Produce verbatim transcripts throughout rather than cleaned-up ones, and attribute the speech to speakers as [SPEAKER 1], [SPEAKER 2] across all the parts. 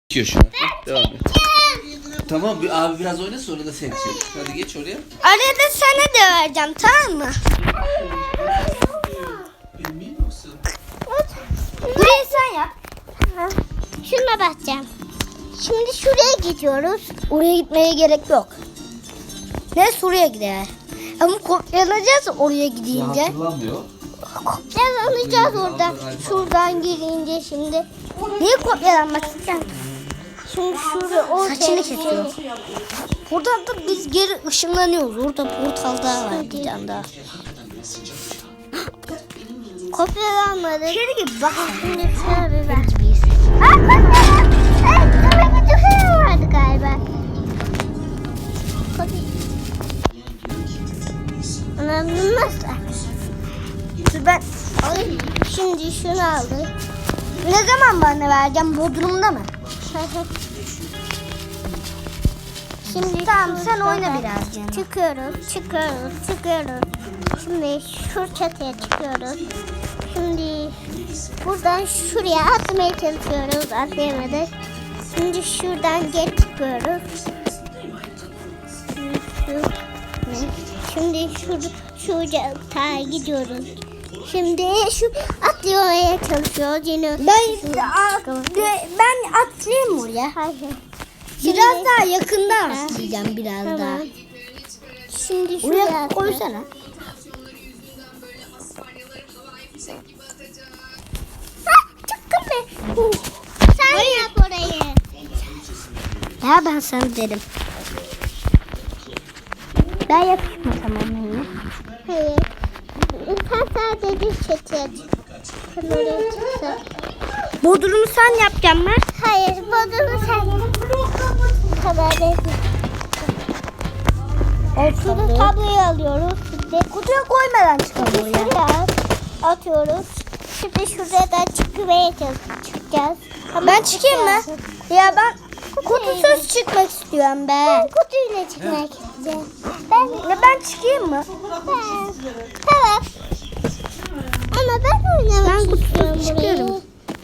[SPEAKER 1] Geçiyor şu an. Devam et. Tamam bir abi biraz oyna sonra da sen çek. Hadi geç oraya.
[SPEAKER 2] Arada sana da vereceğim, tamam mı?
[SPEAKER 1] Emin misin?
[SPEAKER 2] Burayı sen yap. Şuna bakacağım. Şimdi şuraya gidiyoruz. Oraya gitmeye gerek yok. Ne şuraya gider. Ama kopyalanacağız oraya
[SPEAKER 1] Ya
[SPEAKER 2] gidince.
[SPEAKER 1] hatırlamıyor.
[SPEAKER 2] Kopyalanacağız orada. Şuradan girince şimdi. Niye kopyalanmak istiyorsun? Şimdi şurada ortaya saçını kesiyor. Buradan da biz geri ışınlanıyoruz. Orada portal daha var bir tane daha. Kopyalanmadı. Şöyle gibi bak. Şimdi şöyle bir ver. Aa kopyalan. Evet, böyle bir tüfeği vardı galiba. Anam nasıl? Ben alayım. Şimdi şunu aldık. Ne zaman bana vereceğim? Bodrum'da mı? Şimdi tamam sen oyna biraz canım. Çıkıyoruz, çıkıyoruz, çıkıyoruz. Şimdi şu çatıya çıkıyoruz. Şimdi buradan şuraya atmaya çalışıyoruz, atlayamadık. Şimdi şuradan geç çıkıyoruz. Şimdi şu şu çatıya gidiyoruz. Şimdi şu atlamaya çalışıyoruz yine. Ben ben atlayayım oraya. Hayır. Biraz daha yakından atlayacağım biraz tamam. Daha. Şimdi şuraya koysana. Ha, çıktım ben. Sen Hayır. Yap orayı. Ya ben sana derim. Ben yapayım mı tamam mı? Hayır. Sen sadece çatıya çık. Kameraya çıksa. Bodrumu sen yapacaksın mı? Hayır, bodrumu sen yap. Kameraya Şurada tabloyu alıyoruz. Şimdi kutuya koymadan çıkalım oraya. Atıyoruz. Şimdi şuradan çıkmaya çıkacağız. Ama ben çıkayım mı? Ya ben kutusuz çıkmak istiyorum ben. Ben kutuyla çıkmak istiyorum. Ben, ya ben çıkayım mı? Ben. Tamam. Ama ben oynamak ben istiyorum çıkıyorum.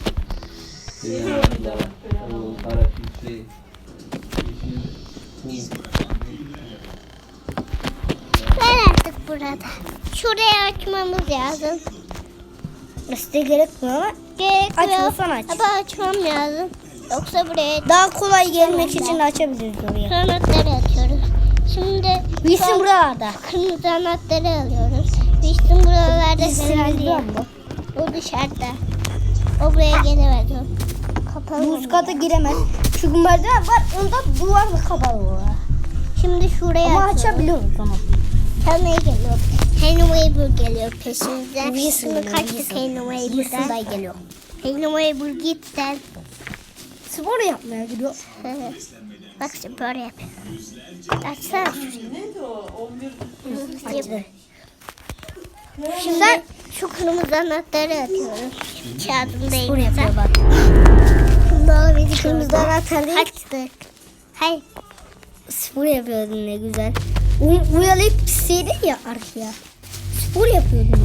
[SPEAKER 2] Ben artık burada. Şuraya açmamız lazım. İşte gerekmiyor ama gerekmiyor. Açmasan aç. Ama açmam lazım. Yoksa buraya daha kolay gelmek için açabiliriz oraya. Anahtarı atıyoruz. Şimdi Wilson buralarda. Kırmızı anahtarı alıyoruz. Wilson buralarda herhalde. O dışarıda. O buraya gelemez. Kapalı. Bu kata giremez. Çünkü merdiven var. Onda duvarla kapalı var. Şimdi şuraya ama açabiliyoruz tamam. Tanrı'ya geliyor. Henry Weber geliyor peşimizden. Wilson'ı kaçtık Henry Weber'den. Wilson da geliyor. Henry Weber git sen. Spor yapmaya gidiyor. Bak spor yapıyor. Açsana.
[SPEAKER 3] Neydi o? on bir
[SPEAKER 2] Açtı. Şimdi sen şu kırmızı anahtarı atıyoruz. Kağıdındayım. Spor yapıyor bak. Şimdi biz kırmızı anahtarı açtık. Hayır. Spor yapıyordun ne güzel. U uyalayıp pisleydin ya arkaya. Spor yapıyordun.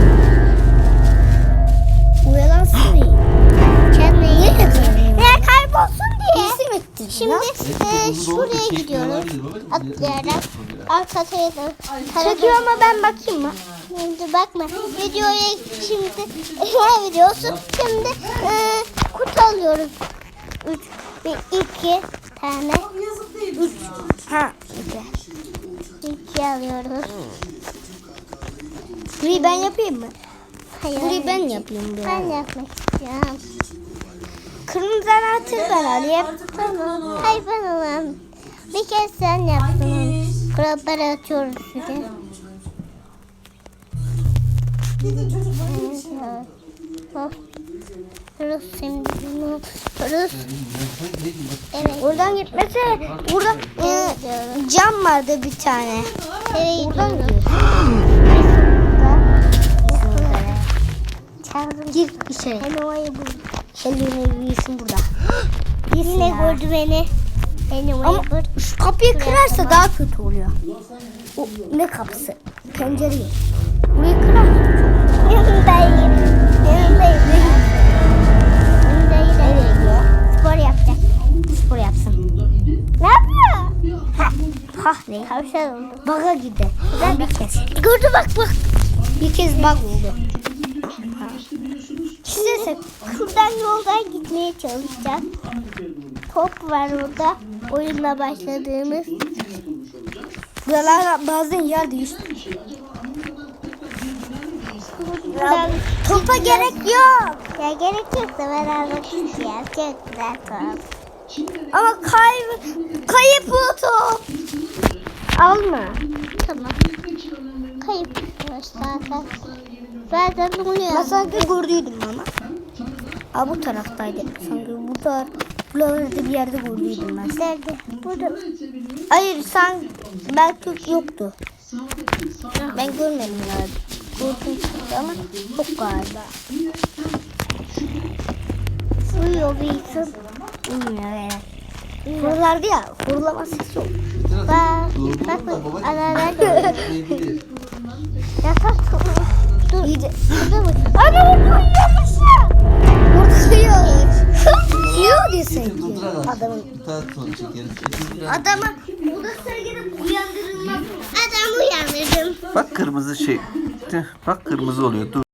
[SPEAKER 2] Uyalansın iyi. Kendine iyi yapıyorsun. Ya kaybolsun diye. İsim ettin. Şimdi e, şuraya gidiyoruz. Atlayarak. Alt kataya da. Çekiyor ama ben bakayım mı? Şimdi bakma. Videoya şimdi ne videosu? Şimdi e, kutu alıyoruz. Üç, bir, iki tane. Üç. Ha, iki. İki alıyoruz. Burayı ben yapayım mı? Hayır. Burayı ben yapayım. Burayı. Ben yapmak istiyorum. Kırmızı anahtarı ben alayım. Tamam. Hayır ben alayım. Bir kez sen yaptın. Kuralları atıyoruz size.
[SPEAKER 3] Gidin çocuklar.
[SPEAKER 2] Evet. Rus şimdi bunu Rus. Evet. Oradan gitmese burada e, cam vardı bir tane. Evet. Oradan gidiyor. Çağırdım. Gir içeri. Hello'yu bul. Hello'yu bilsin burada. Yine gördü beni. Ama şu kapıyı kırarsa daha kötü oluyor. O ne kapısı? Pencereyi. Burayı kırarsa. Yanındayım. Yanındayım. Yanındayım. Nereye gidiyor? Spor yapacak. spor yapsın. Ne yapıyor? Ha, ha ne? Tavşan oldu. Baga gitti. Ben bir kez. Gördü bak bak. Bir kez bak oldu. Size şuradan yoldan gitmeye çalışacağız. Top var orada. Oyunla başladığımız.
[SPEAKER 4] Buralar bazen yer değişti.
[SPEAKER 2] Buradan
[SPEAKER 4] Topa gerek yok.
[SPEAKER 2] ya gerek yok da ben almak istiyorum. Çok güzel top.
[SPEAKER 4] Ama kay kayıp bu top.
[SPEAKER 2] Alma. Tamam. Kayıp zaten. Zaten
[SPEAKER 4] Ben
[SPEAKER 2] oluyor.
[SPEAKER 4] sanki gördüydüm ama. Ha bu taraftaydı. Sanki bu taraf. Buralarda bir yerde gördüydüm ben.
[SPEAKER 2] Nerede? Burada.
[SPEAKER 4] Hayır sen belki yoktu. Ben görmedim galiba. Gördüm çıktı ama çok galiba.
[SPEAKER 2] Uyuyor bir insan.
[SPEAKER 4] Bilmiyorum evet. Buralarda ya horlama sesi yok.
[SPEAKER 2] Bak. Bak bak. Aralar
[SPEAKER 1] Diyebilir.
[SPEAKER 2] yatak. Dur.
[SPEAKER 4] İyice.
[SPEAKER 2] Burada mı? Ana uyuyormuşum.
[SPEAKER 4] Vuruyor. Yiyor diye
[SPEAKER 1] Getir
[SPEAKER 4] sanki.
[SPEAKER 1] durdurarak.
[SPEAKER 4] Adamın.
[SPEAKER 1] Bir tane sonra çekeriz. Getir biraz.
[SPEAKER 4] Adama bu da sergide uyandırılmaz.
[SPEAKER 2] Adam uyandırdım.
[SPEAKER 1] Bak kırmızı şey. Tüh, bak kırmızı oluyor. Dur.